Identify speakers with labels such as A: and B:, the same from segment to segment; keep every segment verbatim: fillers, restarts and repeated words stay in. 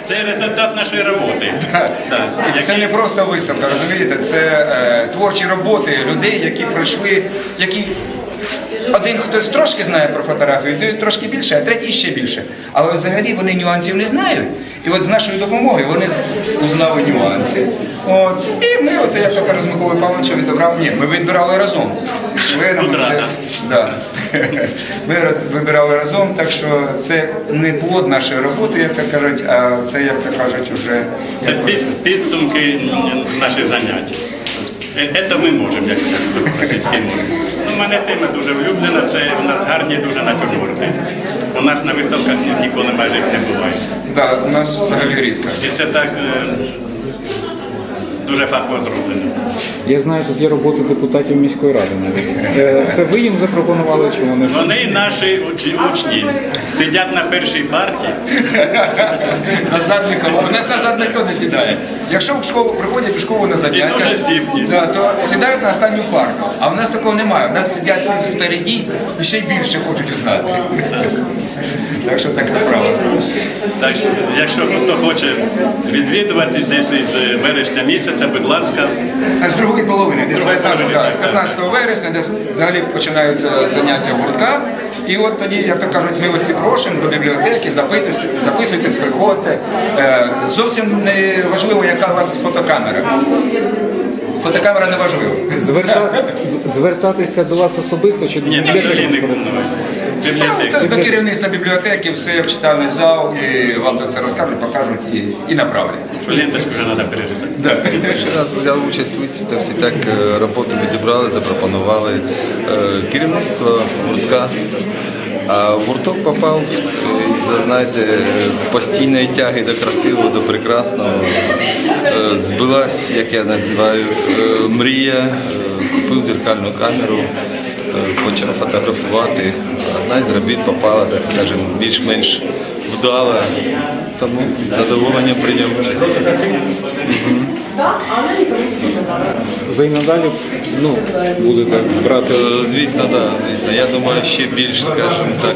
A: Це результат нашої роботи.
B: Це не просто виставка, розумієте, це е, творчі роботи людей, які пройшли, які один хтось трошки знає про фотографію, другий трошки більше, а третій ще більше. Але взагалі вони нюансів не знають. І от з нашою допомогою вони узнали нюанси. От. І ми, оце, як то каже, з Миколою Павловичем відібрали. Ні, ми відбирали разом. З членами. Це, да. Ми роз, вибирали разом, так що це не плод нашої роботи, як то кажуть, а це, як то кажуть, вже...
A: Це підсумки наших занять. Це ми можемо, як російській мові. У мене тема дуже влюблена, це у нас гарні дуже натюрморти. У нас на виставках ніколи майже їх не буває.
B: Так, да, у нас взагалі рідко.
A: І це так дуже фахово зроблено.
C: Я знаю, тут є роботи депутатів міської ради навіть. Це ви їм запропонували, чи вони?
A: Вони наші учні. Сидять на першій парті.
B: Назад нікого. У нас назад ніхто не сідає. Якщо в школу приходять в школу на заняття,
A: дуже здібні.
B: Да, то сідають на останню парту. А в нас такого немає. У нас сидять всі спереді і ще й більше хочуть узнати. Так що така справа.
A: Так що, якщо хто хоче відвідувати десь із вересня місяця, будь ласка.
B: А з другої половини, десь з п'ятнадцятого вересня, десь взагалі починаються заняття гуртка. І от тоді, як то кажуть, милості просимо до бібліотеки, запитуйтесь, записуйтесь, приходьте. Е, зовсім не важливо, яка у вас фотокамера. Фотокамера не важлива.
C: Зверта... Звертатися до вас особисто чи до
A: Ні, до Ліни Кумнової.
B: Тобто до керівництва бібліотеки, все в читальний зал, і вам це розкажуть, покажуть і, і направлять.
A: Ленточку вже треба перерізати.
B: Да.
D: Перший раз взяв участь у виставці, так роботу відібрали, запропонували керівництво гуртка. А в гурток попав із-за, знаєте, постійної тяги до красивого, до прекрасного. Збилась, як я називаю, мрія, купив зеркальну камеру, почав фотографувати. Одна із робіт попала, так скажемо, більш-менш вдала, тому з задоволенням прийняв участь.
C: Ви надалі ну, будете брати?
D: Звісно, да, звісно. Я думаю, ще більш, скажімо так,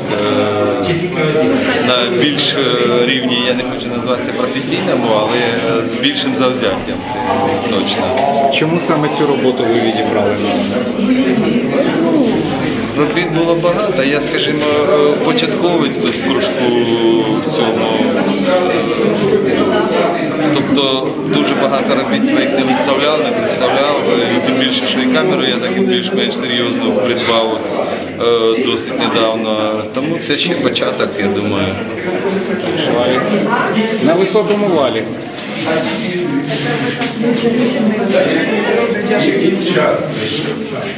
D: на більш рівні, я не хочу назвати це професійному, але з більшим завзяттям, це точно.
C: Чому саме цю роботу ви відібрали?
D: Робіт було багато. Я, скажімо, початковець тут в кружку в цьому. Тобто дуже багато робіт своїх не виставляв, не представляв. І тим більше, що і камеру я так і більш-менш серйозно придбав от, досить недавно. Тому це ще початок, я думаю.
C: На високому валі.
B: Час.